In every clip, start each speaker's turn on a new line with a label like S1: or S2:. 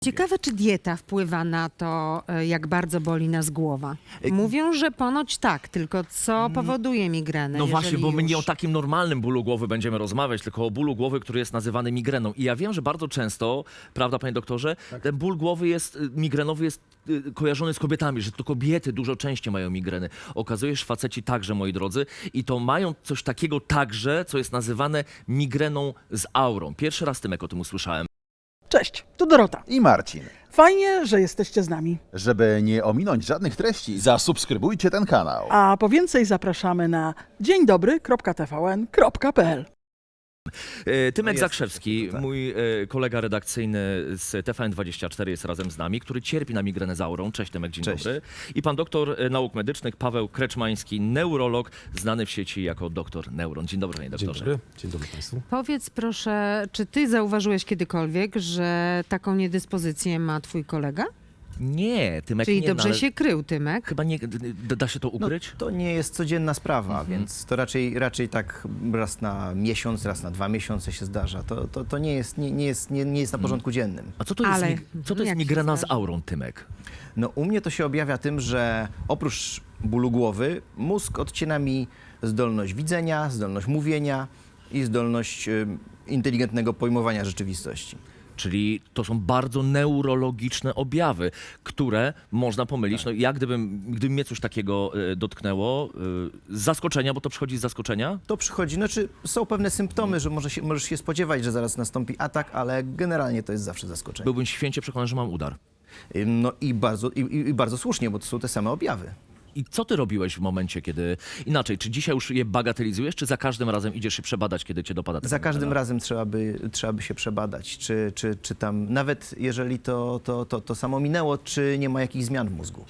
S1: Ciekawe, czy dieta wpływa na to, jak bardzo boli nas głowa. Mówią, że ponoć tak, tylko co powoduje migrenę?
S2: No właśnie,
S1: jeżeli
S2: bo my nie o
S1: już?
S2: takim normalnym bólu głowy będziemy rozmawiać, tylko o bólu głowy, który jest nazywany migreną. I ja wiem, że bardzo często, prawda, panie doktorze, ten ból głowy migrenowy jest kojarzony z kobietami, że to kobiety dużo częściej mają migreny. Okazuje się, że faceci także, moi drodzy, i to mają coś takiego także, co jest nazywane migreną z aurą. Pierwszy raz, Tymek, o tym usłyszałem.
S3: Cześć, tu Dorota.
S4: I Marcin.
S3: Fajnie, że jesteście z nami.
S4: Żeby nie ominąć żadnych treści, zasubskrybujcie ten kanał.
S3: A po więcej zapraszamy na dzieńdobry.tvn.pl.
S2: Tymek
S4: jest
S2: Zakrzewski,
S4: tak.
S2: mój kolega redakcyjny z TVN24 jest razem z nami, który cierpi na migrenę z aurą. Cześć Tymek, dzień
S4: Cześć.
S2: dobry. I pan doktor nauk medycznych Paweł Kreczmański, neurolog, znany w sieci jako doktor Neuron. Dzień dobry, panie doktorze.
S5: Dzień dobry Państwu.
S1: Powiedz proszę, czy ty zauważyłeś kiedykolwiek, że taką niedyspozycję ma twój kolega?
S2: Nie, Tymek
S1: Czyli
S2: nie,
S1: dobrze
S2: ale
S1: się krył, Tymek?
S2: chyba nie, da się to ukryć?
S6: To nie jest codzienna sprawa, więc to raczej tak raz na miesiąc, raz na 2 miesiące się zdarza. To nie jest na porządku dziennym.
S2: A co to jest,
S1: Ale
S2: co to jest
S1: jak się
S2: migrena z
S1: zdarza?
S2: aurą, Tymek?
S6: No u mnie to się objawia tym, że oprócz bólu głowy mózg odcina mi zdolność widzenia, zdolność mówienia i zdolność inteligentnego pojmowania rzeczywistości.
S2: Czyli to są bardzo neurologiczne objawy, które można pomylić. No, ja gdyby mnie coś takiego dotknęło, z zaskoczenia, bo to przychodzi z zaskoczenia,
S6: To przychodzi, znaczy są pewne symptomy, że możesz się spodziewać, że zaraz nastąpi atak, ale generalnie to jest zawsze zaskoczenie.
S2: byłbym święcie przekonany, że mam udar.
S6: No i bardzo słusznie, bo to są te same objawy.
S2: I co ty robiłeś w momencie, kiedy... Inaczej, czy dzisiaj już je bagatelizujesz, czy za każdym razem idziesz się przebadać, kiedy cię dopada taka
S6: Za każdym
S2: migrena?
S6: razem trzeba by się przebadać, czy tam, nawet jeżeli to samo minęło, czy nie ma jakichś zmian w mózgu.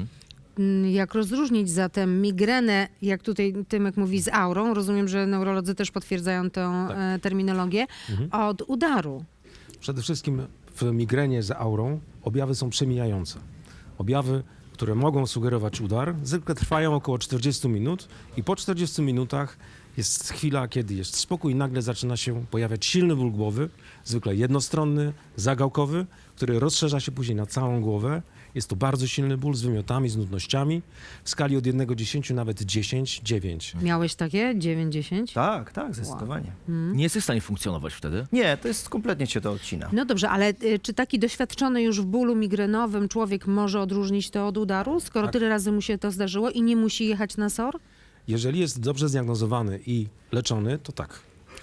S1: Jak rozróżnić zatem migrenę, jak tutaj Tymek mówi, z aurą, rozumiem, że neurolodzy też potwierdzają tę terminologię, od udaru?
S5: Przede wszystkim w migrenie za aurą objawy są przemijające. Objawy, które mogą sugerować udar, zwykle trwają około 40 minut i po 40 minutach jest chwila, kiedy jest spokój i nagle zaczyna się pojawiać silny ból głowy, zwykle jednostronny, zagałkowy, który rozszerza się później na całą głowę. Jest to bardzo silny ból z wymiotami, z nudnościami. W skali od 1 do 10 nawet 10, 9.
S1: Miałeś takie? 9-10?
S6: Tak, zdecydowanie.
S2: Nie jesteś w stanie funkcjonować wtedy?
S6: Nie, to jest kompletnie cię to odcina.
S1: No dobrze, ale czy taki doświadczony już w bólu migrenowym człowiek może odróżnić to od udaru, skoro tyle razy mu się to zdarzyło i nie musi jechać na SOR?
S5: Jeżeli jest dobrze zdiagnozowany i leczony, to tak.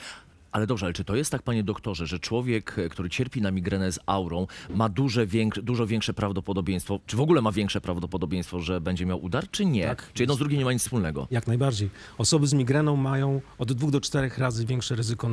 S2: Ale dobrze, ale czy to jest tak, panie doktorze, że człowiek, który cierpi na migrenę z aurą, ma dużo większe prawdopodobieństwo, czy w ogóle ma większe prawdopodobieństwo, że będzie miał udar, czy nie?
S5: Tak.
S2: Czy jedno z drugim nie ma nic wspólnego?
S5: Jak najbardziej. Osoby z migreną mają od 2 do 4 razy większe ryzyko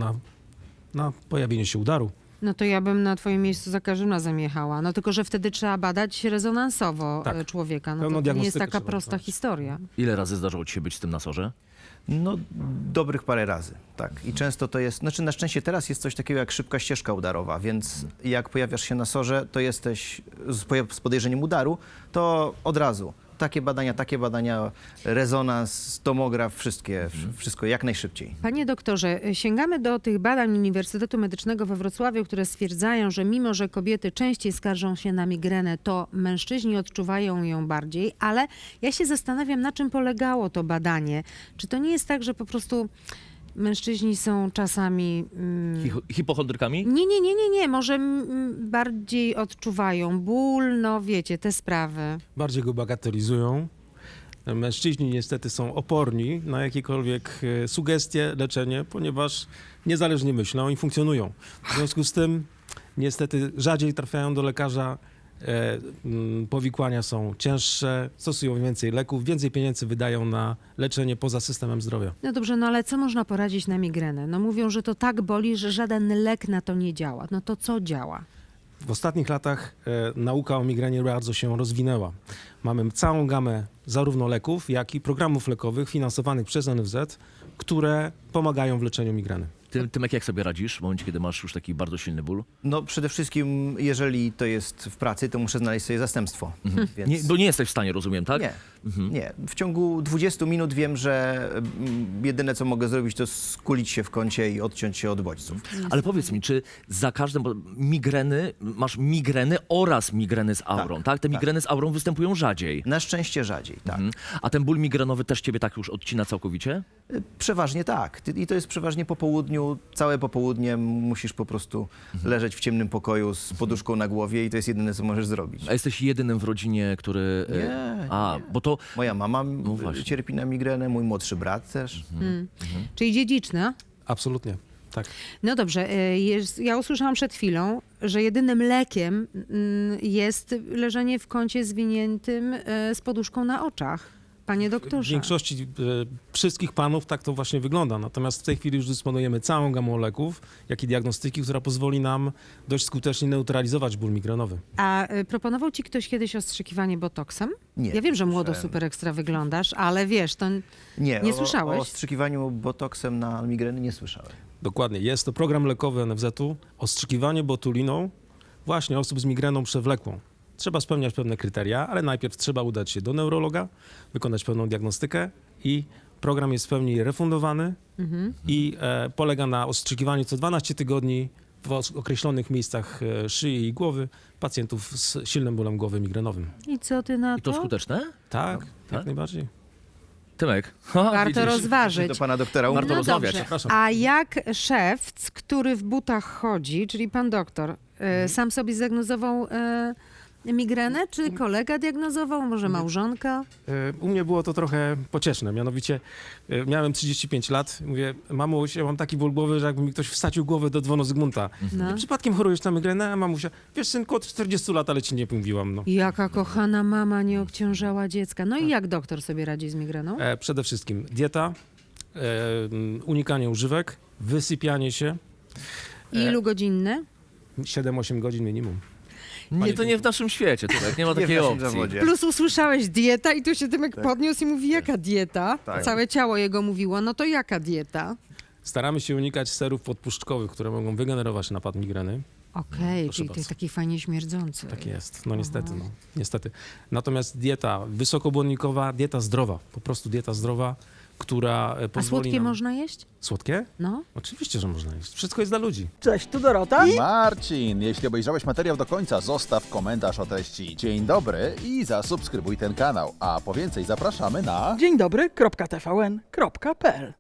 S5: na pojawienie się udaru.
S1: No to ja bym na twoim miejscu za każdym razem jechała. No tylko, że wtedy trzeba badać rezonansowo
S5: Tak.
S1: człowieka. No
S5: Pełną
S1: to nie jest
S5: diagnostykę
S1: taka
S5: trzeba
S1: prosta
S5: wykonać.
S1: historia.
S2: Ile razy zdarzało ci się być z tym na sorze?
S6: No, dobrych parę razy, tak. I często to jest, znaczy na szczęście teraz jest coś takiego jak szybka ścieżka udarowa, więc jak pojawiasz się na sorze, to jesteś z podejrzeniem udaru, to od razu takie badania, rezonans, tomograf, wszystko jak najszybciej.
S1: Panie doktorze, sięgamy do tych badań Uniwersytetu Medycznego we Wrocławiu, które stwierdzają, że mimo, że kobiety częściej skarżą się na migrenę, to mężczyźni odczuwają ją bardziej, ale ja się zastanawiam, na czym polegało to badanie. Czy to nie jest tak, że po prostu mężczyźni są czasami...
S2: Hipochondrykami?
S1: Nie, może bardziej odczuwają ból, no wiecie, te sprawy.
S5: Bardziej go bagatelizują. Mężczyźni niestety są oporni na jakiekolwiek sugestie, leczenie, ponieważ niezależnie myślą i funkcjonują. W związku z tym niestety rzadziej trafiają do lekarza, powikłania są cięższe, stosują więcej leków, więcej pieniędzy wydają na leczenie poza systemem zdrowia.
S1: No dobrze, no ale co można poradzić na migrenę? No mówią, że to tak boli, że żaden lek na to nie działa. No to co działa?
S5: W ostatnich latach nauka o migrenie bardzo się rozwinęła. Mamy całą gamę zarówno leków, jak i programów lekowych finansowanych przez NFZ, które pomagają w leczeniu migreny.
S2: Tymek, jak sobie radzisz w momencie, kiedy masz już taki bardzo silny ból?
S6: No przede wszystkim, jeżeli to jest w pracy, to muszę znaleźć sobie zastępstwo. Więc...
S2: Nie, bo nie jesteś w stanie, rozumiem, tak?
S6: Nie, nie. W ciągu 20 minut wiem, że jedyne, co mogę zrobić, to skulić się w kącie i odciąć się od bodźców.
S2: Ale powiedz mi, czy za każdym, bo masz migreny oraz migreny z aurą, tak? Te migreny z aurą występują rzadziej.
S6: Na szczęście rzadziej, tak.
S2: A ten ból migrenowy też ciebie tak już odcina całkowicie?
S6: Przeważnie tak. I to jest przeważnie po południu. Całe popołudnie musisz po prostu leżeć w ciemnym pokoju z poduszką na głowie i to jest jedyne, co możesz zrobić.
S2: A jesteś jedynym w rodzinie, który...
S6: Nie,
S2: bo to...
S6: Moja mama
S2: właśnie.
S6: cierpi na migrenę, mój młodszy brat też.
S1: Czyli dziedziczne?
S5: Absolutnie, tak.
S1: No dobrze, ja usłyszałam przed chwilą, że jedynym lekiem jest leżenie w kącie zwiniętym z poduszką na oczach. Panie
S5: W
S1: doktorze.
S5: większości wszystkich panów tak to właśnie wygląda. Natomiast w tej chwili już dysponujemy całą gamą leków, jak i diagnostyki, która pozwoli nam dość skutecznie neutralizować ból migrenowy.
S1: A proponował ci ktoś kiedyś ostrzykiwanie botoksem?
S6: Nie,
S1: Ja wiem, że młodo
S6: słyszałem.
S1: super ekstra wyglądasz, ale wiesz, to nie słyszałeś?
S6: O ostrzykiwaniu botoksem na migreny nie słyszałem.
S5: Dokładnie. Jest to program lekowy NFZ-u, ostrzykiwanie botuliną właśnie osób z migreną przewlekłą. Trzeba spełniać pewne kryteria, ale najpierw trzeba udać się do neurologa, wykonać pewną diagnostykę i program jest w pełni refundowany i polega na ostrzykiwaniu co 12 tygodni w określonych miejscach szyi i głowy pacjentów z silnym bólem głowy migrenowym.
S1: I co ty na
S2: I to
S1: to?
S2: skuteczne?
S5: Tak,
S2: tak?
S5: jak najbardziej.
S2: Tymek.
S1: Warto rozważyć.
S6: Do pana doktora
S2: Warto
S1: No
S2: rozmawiać.
S1: dobrze.
S5: Przepraszam.
S1: A jak szewc, który w butach chodzi, czyli pan doktor, sam sobie zdiagnozował migrenę, czy kolega diagnozował, może małżonka?
S5: U mnie było to trochę pocieszne, mianowicie miałem 35 lat, mówię, mamuś, ja mam taki ból głowy, że jakby mi ktoś wsadził głowę do dzwonu Zygmunta.
S1: No.
S5: Przypadkiem chorujesz na migrenę, a mamusia, wiesz synku, od 40 lat, ale ci nie mówiłam, no.
S1: Jaka kochana mama nie obciążała dziecka. No i jak doktor sobie radzi z migreną?
S5: Przede wszystkim dieta, unikanie używek, wysypianie się,
S1: Ilu godzinny?
S5: 7-8 godzin minimum.
S2: Nie, to nie w naszym świecie, Tymek, nie ma
S6: Nie w
S2: takiej
S6: naszym
S2: opcji.
S6: zawodzie.
S1: Plus usłyszałeś dieta i tu się Tymek podniósł i mówi, jaka dieta?
S6: Tak.
S1: Całe ciało jego mówiło, no to jaka dieta?
S5: Staramy się unikać serów podpuszczkowych, które mogą wygenerować napad migreny.
S1: Okej,
S5: Proszę
S1: czyli
S5: bardzo.
S1: to taki fajnie śmierdzący.
S5: Tak jest, no niestety, no. Niestety. Natomiast dieta wysokobłonnikowa, dieta zdrowa, po prostu dieta zdrowa, która
S1: A
S5: pozwoli
S1: słodkie
S5: nam...
S1: można jeść?
S5: Słodkie?
S1: No.
S5: Oczywiście, że można jeść. Wszystko jest dla ludzi.
S3: Cześć, tu Dorota.
S4: Marcin, jeśli obejrzałeś materiał do końca, zostaw komentarz o treści dzień dobry i zasubskrybuj ten kanał. A po więcej zapraszamy na...
S3: Dzień dobry, .tvn.pl